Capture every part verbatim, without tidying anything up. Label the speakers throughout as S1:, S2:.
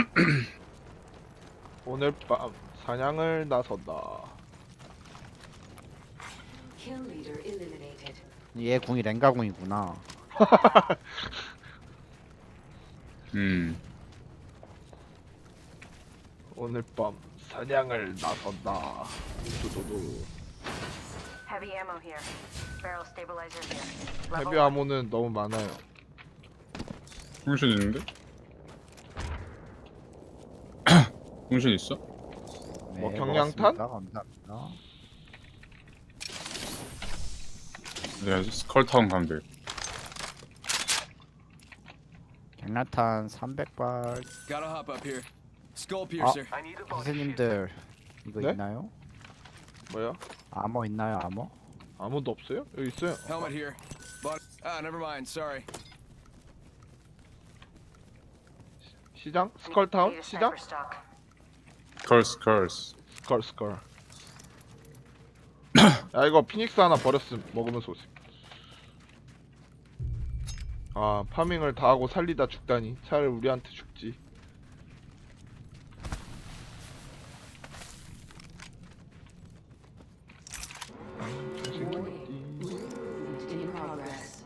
S1: 오늘 밤 사냥을 나선다.
S2: Kill leader eliminated.
S3: 얘 궁이 랭가 궁이구나.
S4: 음.
S1: 오늘 밤 사냥을 나선다. 두두두.
S5: Heavy ammo here. Barrel stabilizer here. Level
S1: 헤비 아모는 너무 많아요.
S4: 풍신 있는데? 풍신 있어?
S1: 뭐 경량탄?
S3: 먹었습니다. 감사합니다.
S4: 내가 스컬타운 가면 돼.
S3: 경량탄 삼백 발.
S6: Gotta hop up here. Skull piercer.
S3: 선생님들 이거
S1: 네?
S3: 있나요?
S1: 뭐야?
S3: 아머 있나요? 아머?
S1: 아무도 없어요? 여기 있어요.
S6: Helmet here. But ah, never mind. Sorry.
S1: 시장? 스컬타운?
S5: Need a
S1: 시장?
S5: sniper stock.
S4: 컬스 컬스.
S1: 스컬 스컬. 야 이거 피닉스 하나 버렸음. 먹으면서 오세요. 아 파밍을 다 하고 살리다 죽다니. 차라리 우리한테 죽지.
S2: Movement in progress.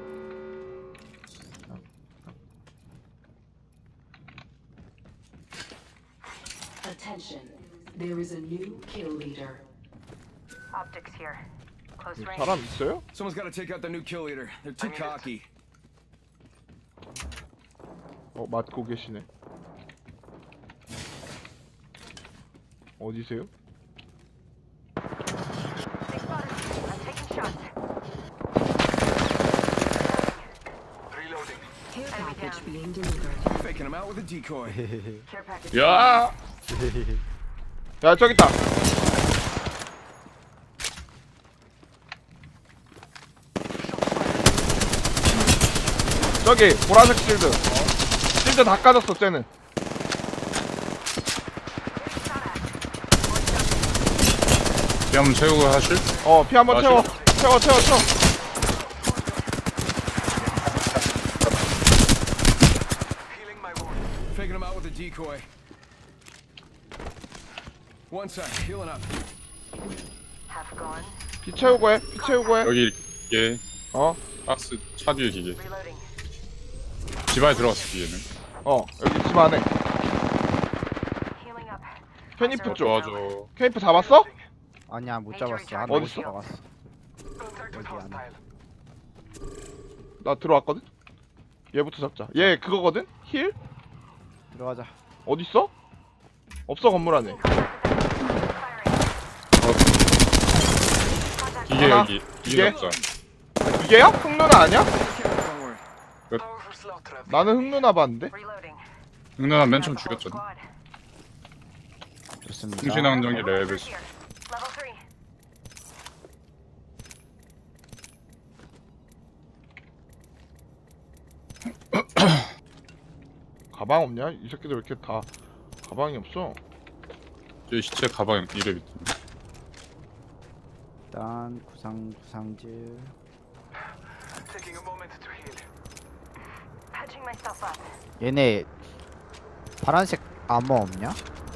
S2: Attention. There is a new kill leader.
S5: Optics here. Close range.
S1: 사람 있어요?
S6: Someone's got to take out the new kill leader. They're too cocky.
S1: 어 맞고 계시네. 어디세요?
S5: They spotted me. I'm taking shots.
S2: Care
S5: Enemy
S2: package
S5: down.
S2: being delivered.
S6: Faking him out with a decoy.
S5: Care package.
S4: 야!
S1: 야 저기 있다. 저기 보라색 실드. 실드 다 까졌어 쟤는.
S4: 피 한번 채우고 하실?
S1: 어 피 한번
S4: 아,
S1: 채워. 채워 채워 채워.
S6: Faking him out with a decoy. One side, healing up.
S5: Half gone.
S1: 피 채우고 해. 피 채우고 해.
S4: 여기 이게
S1: 어?
S4: 박스 차 뒤에 기계.
S5: Reloading.
S4: 집 안에 들어갔어 기계는.
S1: 어 여기 집 안에.
S5: Healing up.
S1: 페니프 쪽.
S4: 좋아줘.
S1: 케이프 잡았어?
S3: 아니야 못 잡았어. 한
S1: 어딨어?
S3: 못 잡았어. 여기 안에.
S1: 나 들어왔거든? 얘부터 잡자. 얘 그거거든? 힐?
S3: 들어가자.
S1: 어딨어? 없어 건물 안에.
S4: 기계
S1: 하나,
S4: 여기.
S1: 기계?
S4: 기계 잡자.
S1: 이게야? 흑누나 아니야?
S6: Don't worry.
S1: 나는 흑누나 봤는데?
S5: Reloading.
S4: 응나나 맨 처음
S5: That's the whole
S4: 죽였잖아.
S5: squad.
S3: 좋습니다.
S4: 풍신 안정기 레벨.
S5: Here. Level three.
S1: 가방 없냐? 이 새끼들 왜 이렇게 다 가방이 없어?
S4: 제 시체 가방 이래 밑에.
S3: 일단 구상 구상질.
S5: Patching myself up.
S3: 얘네 파란색 아머 없냐?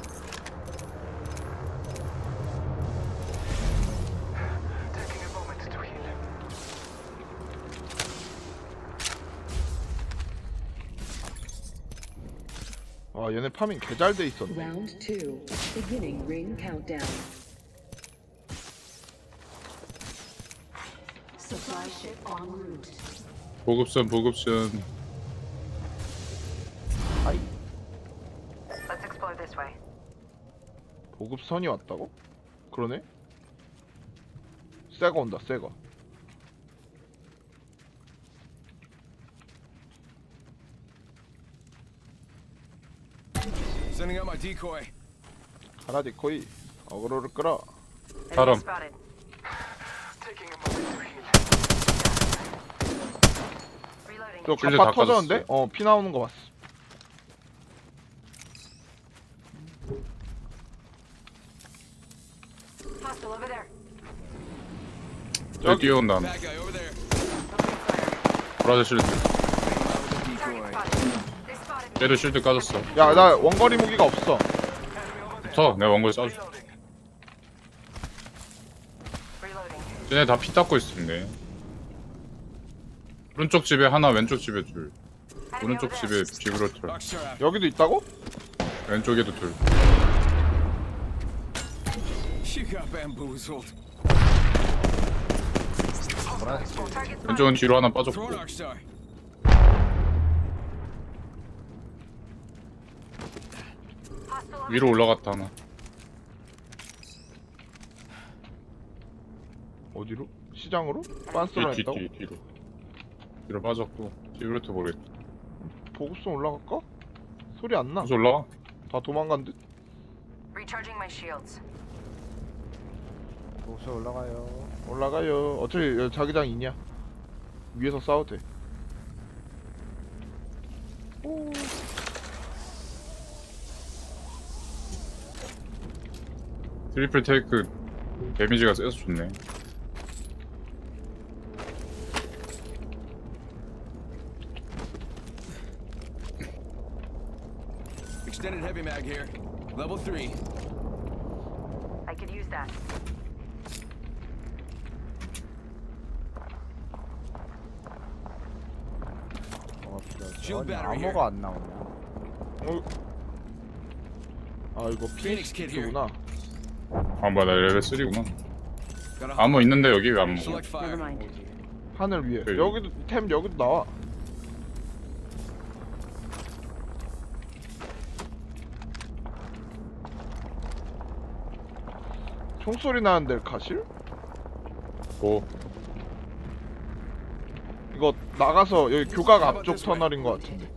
S1: 와 얘네 파밍 개 잘 돼 있었네.
S2: Round two. Beginning ring countdown. Supply ship en route.
S4: 보급선 보급선.
S3: 아이
S5: Let's explore this way.
S1: 보급선이 왔다고? 그러네? 새거 온다 새거.
S6: Sending out my decoy.
S1: 가라디 코이 어그로를 끌어.
S4: 사람.
S5: Enemy spotted. Reloading.
S1: 저
S4: 실드
S1: 갑바
S4: 다
S1: 터졌는데?
S4: 까졌어.
S1: 어 피 나오는 거 봤어.
S5: Hostile over there.
S4: 여기 뛰어온다.
S6: Bad guy over there.
S4: 브라질 실드.
S6: Faking him out with a
S5: Target
S6: decoy.
S5: spotted. They spotted me.
S4: 얘도 실드 까졌어.
S1: 야 나 원거리 무기가 없어.
S4: 붙어. 내가 원거리 쏴줄게.
S5: Reloading.
S4: 쟤네 다 피 닦고 있었네. 오른쪽 집에 하나, 왼쪽 집에 둘.
S5: Enemy
S4: 오른쪽
S5: over
S4: 집에
S5: there.
S4: 집으로 둘.
S6: Rockstar out.
S1: 여기도 있다고?
S4: 왼쪽에도 둘.
S6: You got bamboozled.
S5: Target's
S4: 왼쪽은 뒤로 하나
S6: Throw
S4: 빠졌고.
S6: Rockstar.
S5: hostile over
S4: 위로 올라갔다 하나.
S1: 어디로? 시장으로?
S4: 뒤,
S1: 빤스로
S4: 뒤,
S1: 했다고?
S4: 뒤, 뒤로. 뒤로 빠졌고. 뒤로부터 모르겠다.
S1: 보급선 올라갈까? 소리 안 나.
S4: 다시 올라와.
S1: 다 도망간 듯?
S5: Recharging my shields.
S3: 보급소 올라가요.
S1: 올라가요. 어차피 여기 자기장 있냐? 위에서 싸워도 돼. 오.
S4: 트리플 테이크 데미지가 세서 좋네.
S6: Extended heavy mag here. Level three.
S5: I could use that.
S3: 뭐가 필요하지?
S6: Shield
S3: 아니,
S6: battery here.
S3: 암호가 안 나오냐?
S1: 어. 아 이거
S6: Phoenix kit here.
S1: 피닉스구나.
S4: 아 뭐야 나 레벨 삼구나.
S6: Got a
S4: 암호 있는데 여기 왜 안 먹어?
S6: select fire.
S5: Never mind.
S1: 하늘 위에.
S4: 그래.
S1: 여기도 템 여기도 나와. 총소리 나는데 가실?
S4: 고.
S1: 이거 나가서 여기 교각 앞쪽 터널인 것 같은데.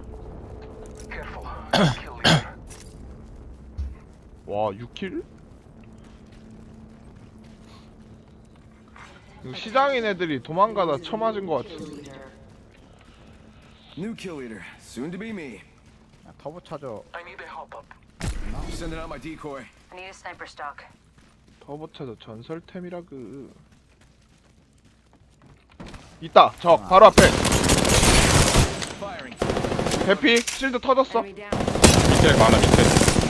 S1: 와 육 킬? 이거 시장인 애들이 도망가다 쳐맞은 것
S2: Kill
S1: 같은데.
S2: leader.
S6: New kill leader. Soon to be me.
S3: 야, 터보 차저.
S6: Sending out my decoy.
S5: I need a sniper stock.
S1: 터보차저 전설템이라 그. 있다. 적 바로 앞에.
S6: Firing.
S1: 대피 실드 터졌어.
S2: Enemy down.
S4: 밑에 많아 밑에.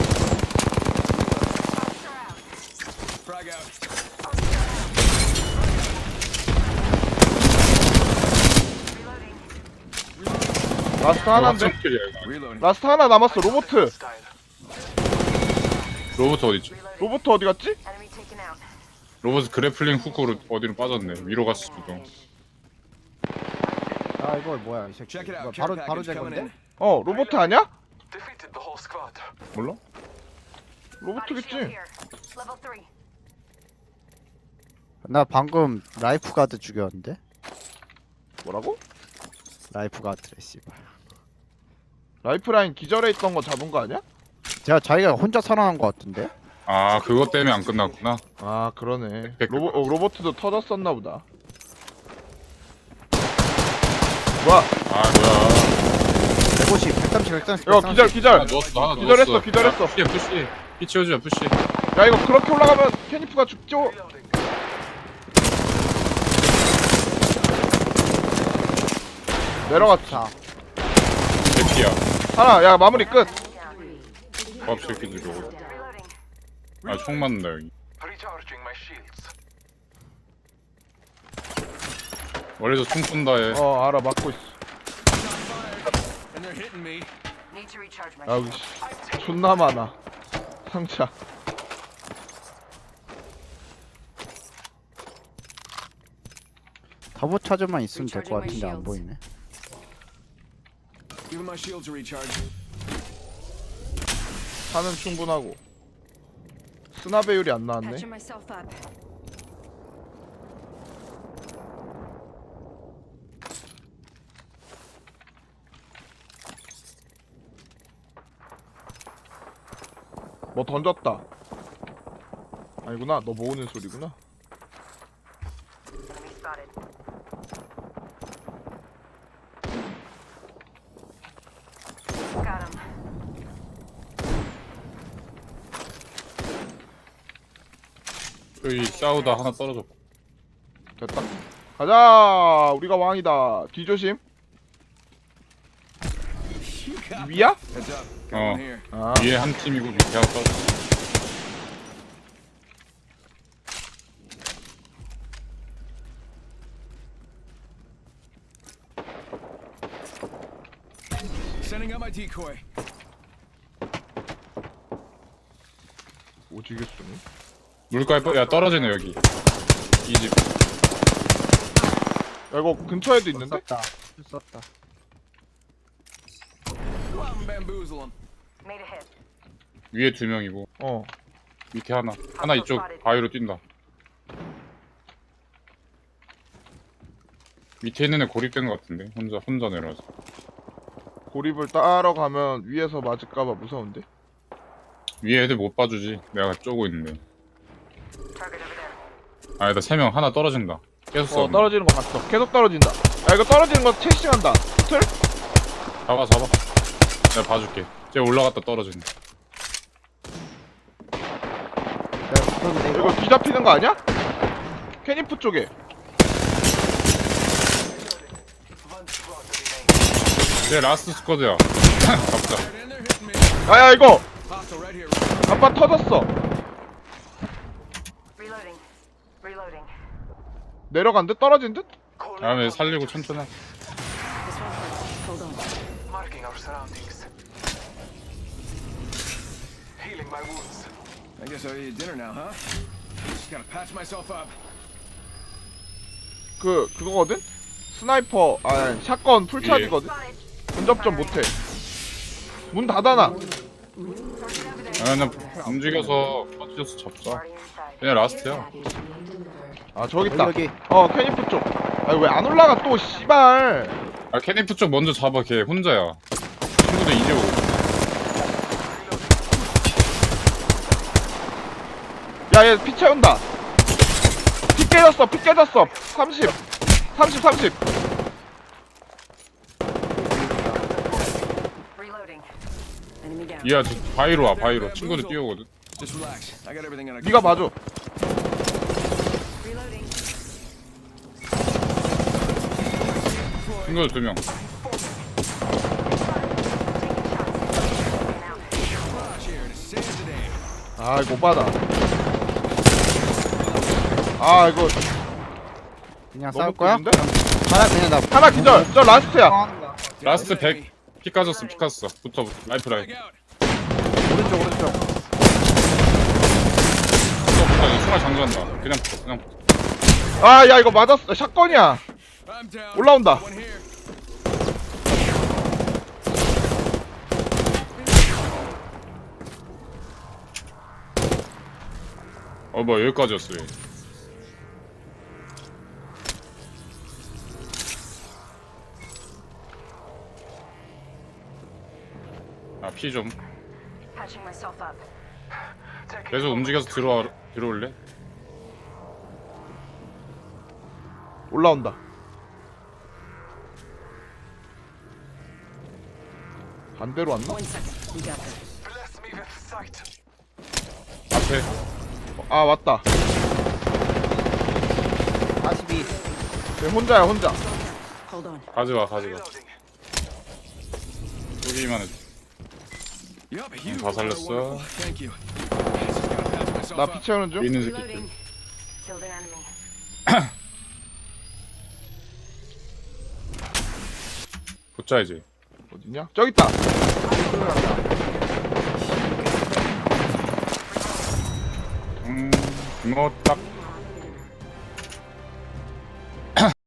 S6: Frag out.
S5: Reloading.
S1: 라스트 하나인데.
S4: 확정 킬이야 이거.
S6: Reloading.
S1: 라스트 하나 남았어. 로보트.
S4: 로봇 어디지?
S5: Reloading.
S1: 로보트 어디 갔지?
S5: Enemy taken out.
S4: 로봇 그래플링 훅으로 어디로 빠졌네. 위로 갔을 수도.
S3: 아 이거 뭐야 이 새끼.
S6: Check it
S3: 이거
S6: out.
S3: 바로
S6: Care
S3: 바로
S6: package
S3: 제
S6: coming
S3: 건데?
S6: in.
S1: 어 로보트 아니야?
S4: 몰라?
S5: Body shield
S1: 로보트겠지.
S5: here. Level three.
S3: 나 방금 라이프 가드 죽였는데?
S1: 뭐라고?
S3: 라이프 가드래 씨발.
S1: 라이프라인 기절해 있던 거 잡은 거 아니야?
S3: 제가 자기가 혼자 살아난 것 같은데?
S4: 아 그것 때문에 안 끝났구나.
S1: 아 그러네.
S4: 백-
S1: 로보 어, 로보트도 터졌었나 보다. 뭐야?
S4: 아 뭐야.
S3: 백오십, 백삼십, 백삼십.
S1: 이거 기절 기절.
S4: 하나 누웠어 하나
S1: 기절했어,
S4: 누웠어.
S1: 기절했어.
S4: 야, 푸시해 푸시. 피 치워주자 푸시.
S1: 야 이거 그렇게 올라가면 캐니프가 죽죠. 내려갔지.
S3: 자,
S4: 대피야.
S1: 하나 야 마무리 끝.
S5: Enemy down.
S4: 밥 새끼들 저거.
S5: Reloading.
S4: 아총 맞는다 여기.
S7: Recharging my shields.
S4: 원래도 총 쏜다 해.
S1: 어 알아 맞고 있어.
S6: And they're hitting me.
S5: Need to recharge my
S1: 야 여기
S5: shields.
S1: 씨, 존나 많아. 상자.
S3: 터보 차저만 있으면 될 것
S2: Recharging
S3: 같은데
S2: my
S3: 안 보이네.
S6: Giving my shields a recharge.
S1: 차는 충분하고. 스나 배율이 안 나왔네.
S2: Patching myself up.
S1: 뭐 던졌다. 아니구나. 너 모으는 소리구나.
S5: Enemy spotted. Got him.
S4: 여기 싸우다 하나 떨어졌고.
S1: 됐다. 가자. 우리가 왕이다. 뒤조심.
S6: You got
S1: 위야?
S6: Heads up. Got
S4: Oh.
S6: one here.
S1: 아
S4: 위에 한 팀이고 밑에 하나 떨어졌어.
S6: Sending out my decoy.
S1: 오지게 쏘네.
S4: 물가에 빠- 야 떨어지네 여기. 이 집.
S1: 야 이거 근처에도 있는데?
S3: 썼다. 썼다.
S6: Go out and bamboozle them.
S5: Made a hit.
S4: 위에 두 명이고
S1: 어
S4: 밑에 하나. 하나 이쪽 바위로 뛴다. 밑에 있는 애 고립된 것 같은데 혼자 혼자 내려와서.
S1: 고립을 따러 가면 위에서 맞을까봐 무서운데?
S4: 위에 애들 못 봐주지. 내가 쪼고 있는데.
S5: Target over there.
S4: 아니다 세 명 하나 떨어진다. 계속
S1: 어
S4: 써.
S1: 떨어지는 거 봤어. 계속 떨어진다. 야 이거 떨어지는 거 채싱한다. 틀?
S4: 잡아 잡아. 내가 봐줄게. 쟤 올라갔다 떨어진다.
S3: 내가 붙었는데 이거.
S1: 이거 뒤잡히는 거 아니야? 캐니프 쪽에.
S4: 쟤 라스트 스쿼드야. 잡자.
S6: Right in there, hitting me.
S1: 야야 이거
S6: Hostile right here.
S1: 아빠 터졌어.
S5: Reloading. Reloading.
S1: 내려간 듯? 떨어진 듯?
S4: 다음에 살리고 천천히 하-
S2: This won't hurt. Hold on.
S7: Marking our surroundings. Healing my wounds.
S6: I guess I'll eat dinner now, huh? Just gotta patch myself up.
S1: 그 그거거든? 스나이퍼 아 샷건 풀차지거든?
S5: Spotted.
S1: 근접점 못해. 문 닫아놔.
S4: 아, 나 움직여서 터져서 잡자.
S5: Already inside.
S4: 그냥 라스트야.
S2: Package being delivered.
S1: 아 저기 있다.
S3: 여기.
S1: 어 캐니프 쪽. 아 왜 안 올라가 또 씨발.
S4: 아 캐니프 쪽 먼저 잡아. 걔 혼자야. 친구들 이제 오고.
S1: 야얘 피 채운다. 피 깨졌어. 피 깨졌어. 삼십. 삼십 삼십.
S5: Reloading.
S2: Enemy down.
S4: 이야 저 바위로 와 바위로. 친구들 뛰어오거든.
S6: Just relax. I got everything under
S1: 네가 봐줘.
S5: Reloading.
S4: 친구들 두 명.
S6: Flash here to save the day.
S1: 아 이거 못 받아. 아 이거
S3: 그냥
S1: 너무
S3: 싸울 거야?
S1: 꿀인데?
S3: 하나 그냥 나
S1: 하나 기절. 저 라스트야.
S4: 라스트 백. 피 까졌어 피 깠어. 붙어 붙어. 라이프 라이프.
S6: Check out.
S3: 오른쪽 오른쪽.
S4: 붙어 붙어. 이 총알 장전한다. 그냥 붙어 그냥 붙어.
S1: 아 야 이거 맞았어. 샷건이야.
S6: I'm down.
S1: 올라온다.
S6: One here.
S4: 어 뭐야 여기까지였어 얘. 아 피 좀.
S5: Patching myself up.
S4: 계속 움직여서 들어와 들어올래?
S1: 올라온다. 반대로 왔나?
S2: One second. We got this.
S7: Bless me with sight.
S4: 앞에.
S1: 아 왔다.
S3: 사십이.
S1: 쟤 혼자야 혼자.
S2: Hold on.
S4: 가져가 가져가.
S7: Reloading.
S4: 쏘기만 해.
S6: Yup, you
S4: 다
S6: are
S4: 살렸어.
S6: wonderful. Thank you. Just gotta patch myself
S1: 나
S6: up.
S1: 피 채우는 중.
S4: 있는 새끼.
S5: Reloading. Killed an enemy.
S4: 붙자 이제.
S1: 어디냐? 저기 있다.
S4: 음, 이거 딱